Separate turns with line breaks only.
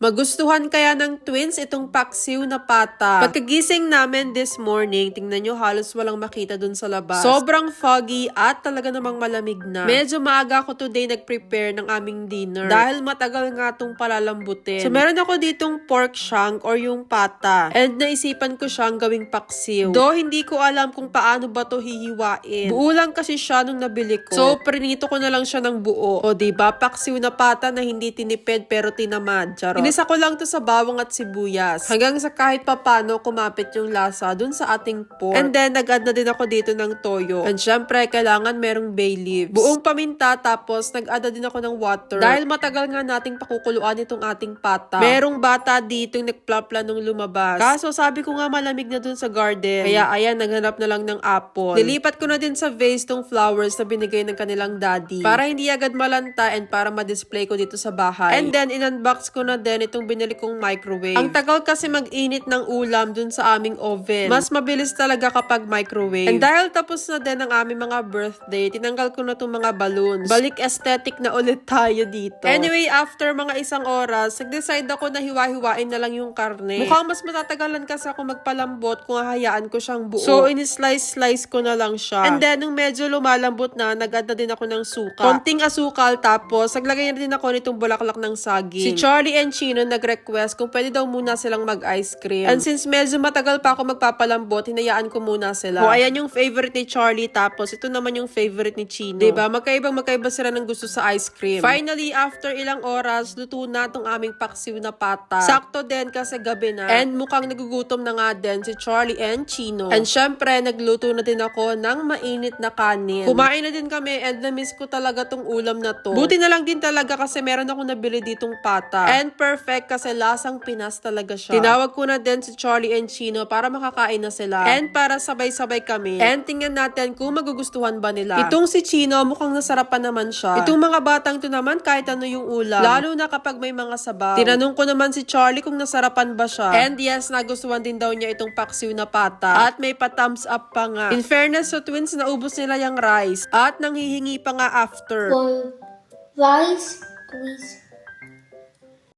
Magustuhan kaya ng twins itong paksiw na pata. Pagkagising namin this morning, tingnan nyo halos walang makita dun sa labas. Sobrang foggy at talaga namang malamig na. Medyo maaga ako today nag-prepare ng aming dinner. Dahil matagal nga itong palalambutin. So meron ako ditong pork shank or yung pata. And naisipan ko siyang gawing paksiw. Though hindi ko alam kung paano ba to hihiwain. Buo lang kasi siya nung nabili ko. So prinito ko na lang siya ng buo. O diba, paksiw na pata na hindi tinipid pero tinamad. Charot. Inisa ko lang to sa bawang at sibuyas. Hanggang sa kahit papano kumapit yung lasa dun sa ating pork. And then, nag-add na din ako dito ng toyo. And syempre, kailangan merong bay leaves. Buong paminta, tapos nag-add na din ako ng water. Dahil matagal nga nating pakukuluan itong ating pata. Merong bata dito yung nagplapla nung lumabas. Kaso sabi ko nga malamig na dun sa garden. Kaya ayan, naghanap na lang ng apple. Nilipat ko na din sa vase tong flowers na binigay ng kanilang daddy. Para hindi agad malanta and para ma-display ko dito sa bahay. And then, in-unbox ko na din itong binili kong microwave. Ang tagal kasi mag-init ng ulam dun sa aming oven. Mas mabilis talaga kapag microwave. And dahil tapos na din ang aming mga birthday, tinanggal ko na itong mga balloons. Balik aesthetic na ulit tayo dito. Anyway, after mga isang oras, nag-decide ako na hiwa-hiwain na lang yung karne. Mukhang mas matatagalan kasi ako magpalambot kung hahayaan ko siyang buo. So, in-slice-slice ko na lang siya. And then, nung medyo lumalambot na, nag-add na din ako ng suka. Konting asukal, tapos naglagay na din ako nitong bulaklak ng saging. Si Charlie and Chino nag-request kung pwede daw muna silang mag-ice cream. And since medyo matagal pa ako magpapalambot, hinayaan ko muna sila. O ayan yung favorite ni Charlie, tapos ito naman yung favorite ni Chino. Diba? Magkaiba sila ng gusto sa ice cream. Finally, after ilang oras, luto na tong aming paksiw na pata. Sakto din kasi gabi na. And mukhang nagugutom na nga din si Charlie and Chino. And syempre, nagluto na din ako ng mainit na kanin. Kumain na din kami and na-miss ko talaga tong ulam na to. Buti na lang din talaga kasi meron akong nabili ditong pata. And perfect kasi lasang Pinas talaga siya. Tinawag ko na din si Charlie and Chino para makakain na sila. And para sabay-sabay kami. And tingnan natin kung magugustuhan ba nila. Itong si Chino mukhang nasarapan naman siya. Itong mga batang to naman kahit ano yung ulam. Lalo na kapag may mga sabaw. Tinanong ko naman si Charlie kung nasarapan ba siya. And yes, nagustuhan din daw niya itong paksiw na pata. At may pa-thumbs up pa nga. In fairness sa twins, naubos nila yung rice. At nanghihingi pa nga after.
For rice, please.